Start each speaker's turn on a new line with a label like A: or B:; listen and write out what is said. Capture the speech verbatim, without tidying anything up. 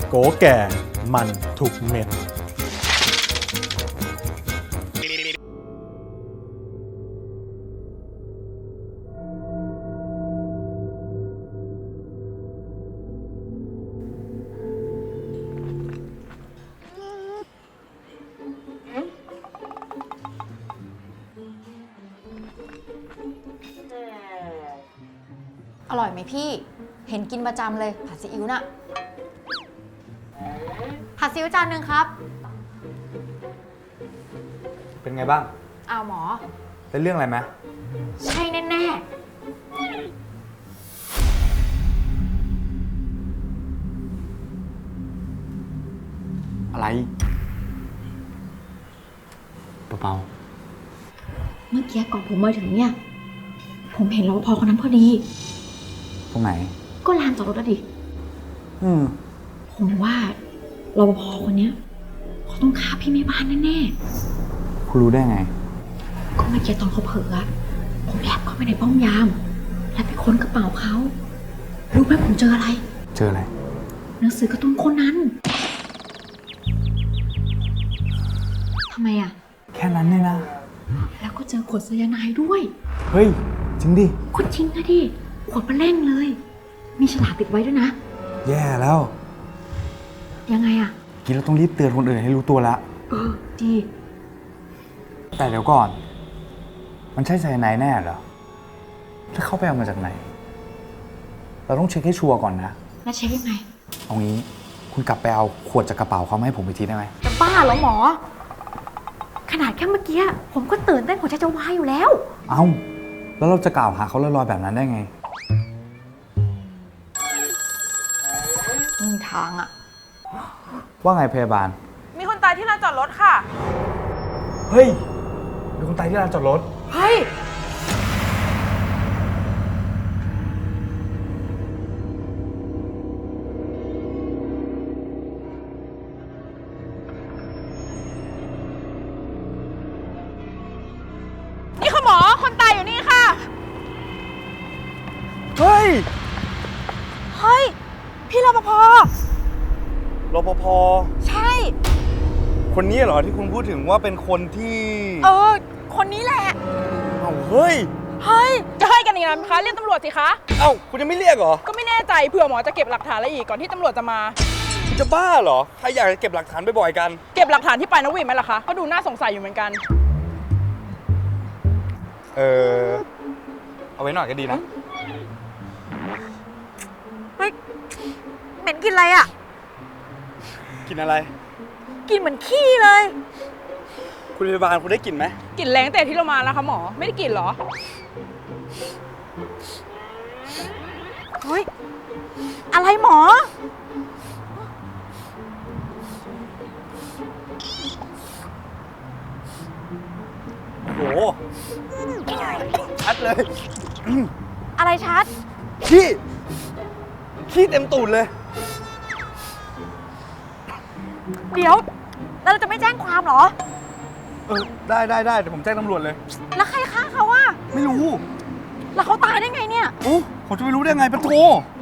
A: โกแก่มันทุกเม็ด
B: อร่อยไหมพี่ เห็นกินประจำเลยผัดซีอิ๊วน่ะผัดซีอิ๊วจานหนึ่งครับ
C: เป็นไงบ้าง
B: อ้าวหมอ
C: เป็นเรื่องอะไรไหม
B: ใช่แน่ๆ
C: อะไรเบา
B: เมื่อกี้ก่อนผมมาถึงเนี่ย ผมเห็นรปภคนนั้นพอดี
C: ๆตรงไหน
B: ก็ลานจอดรถอะดิ
C: อืม
B: ผมว่ารปภคนเนี้ยเขาต้องฆ่าพี่แม่บ้านแน่
C: คุณรู้ได้ไง
B: ๆ ก็เมื่อกี้ตอนเขาเผลออะผมแอบเข้าไปในป้อมยาม แล้วไปค้นกระเป๋าเขารู้ไหมผมเจออะไร
C: เจออะไร
B: หนังสือการ์ตูนโคนันทำไมอะ
C: แค่นั้นเนี่ยนะ
B: แล้วก็เจอขวดไซยาไนด์ด้วย
C: เฮ้ย จริงดิ
B: ขวดจริงนะดิขวดมาเล่งเลย มีฉลากติดไว้ด้วยนะ
C: แย่แล้ว
B: ยังไงอะ
C: กินแล้วต้องรีบเตือนคนอื่นให้รู้ตัวละ
B: เออดี
C: แต่เดี๋ยวก่อน มันใช่ไซยาไนด์แน่เหรอถ้าเข้าไปเอามาจากไหน เราต้องเช็คให้ชัวร์ก่อนนะ
B: แล้วเช็คยังไง
C: เอางี้ คุณกลับไปเอาขวดจากกระเป๋าเขามาให้ผมไปทีได้ไหม
B: จะบ้าเหรอหมอ ขนาดแค่เมื่อกี้ผมก็ตื่นเต้นหัวใจจะวายอยู่แล้ว
C: เอ้า แล้วเราจะกล่าวหาเขาลอยๆแบบนั้นได้ไง
B: ไม่มีทางอะ
C: ว่าไงพยาบาล
D: มีคนตายที่ลานจอดรถค่ะ
C: เฮ้ย มีคนตายที่ลานจอดรถ
D: เฮ้ย นี่ค่ะหมอ คนตายอยู่นี่ค่ะ
C: เฮ้ย
D: เฮ้ย พี่รปภ
C: รปภ
D: ใช่
C: คนนี้เหรอที่คุณพูดถึงว่าเป็นคนที่
D: เออ คนนี้แหละ
C: เอ้าเฮ้ย
D: เฮ้ย จะให้กันอีกแล้วไหมคะ เรียกตำรวจสิคะ
C: เอ้าคุณยังไม่เรียกเหรอ
D: ก็ไม่แน่ใจเผื่อหมอจะเก็บหลักฐานอะไรอีกก่อนที่ตำรวจจะมา
C: คุณจะบ้าเหรอ ใครอยากจะเก็บหลักฐานบ่อยๆกัน
D: เก็บหลักฐานที่ปลายนกหวีดไหมล่ะคะ ก็ดูน่าสงสัยอยู่เหมือนกัน
C: เออ เอาไว้หน่อยก็ดีนะ
B: เฮ้ยเหม็นกินอะไรอะ
C: กินอะไร
B: กินเหมือนขี้เลย
C: คุณพยาบาลคุณได้กลิ่นไหม
D: กลิ่นแรงแต่ที่เรามาแล้วคะหมอ ไม่ได้กลิ่นเหรอ
B: เฮ้ย อะไรหมอ
C: โอ้โหชัดเลย
B: อะไรชัด
C: ขี้ ขี้เต็มตูดเลย
B: เดี๋ยว แล้วเราจะไม่แจ้งความเหรอ
C: เออ ได้ได้ได้เดี๋ยวผมแจ้งตำรวจเลย
B: แล้วใครฆ่าเขาอะ
C: ไม่รู้
B: แล้วเขาตายได้ไงเนี่ย
C: โอ้ผมจะไปรู้ได้ไงปะโถ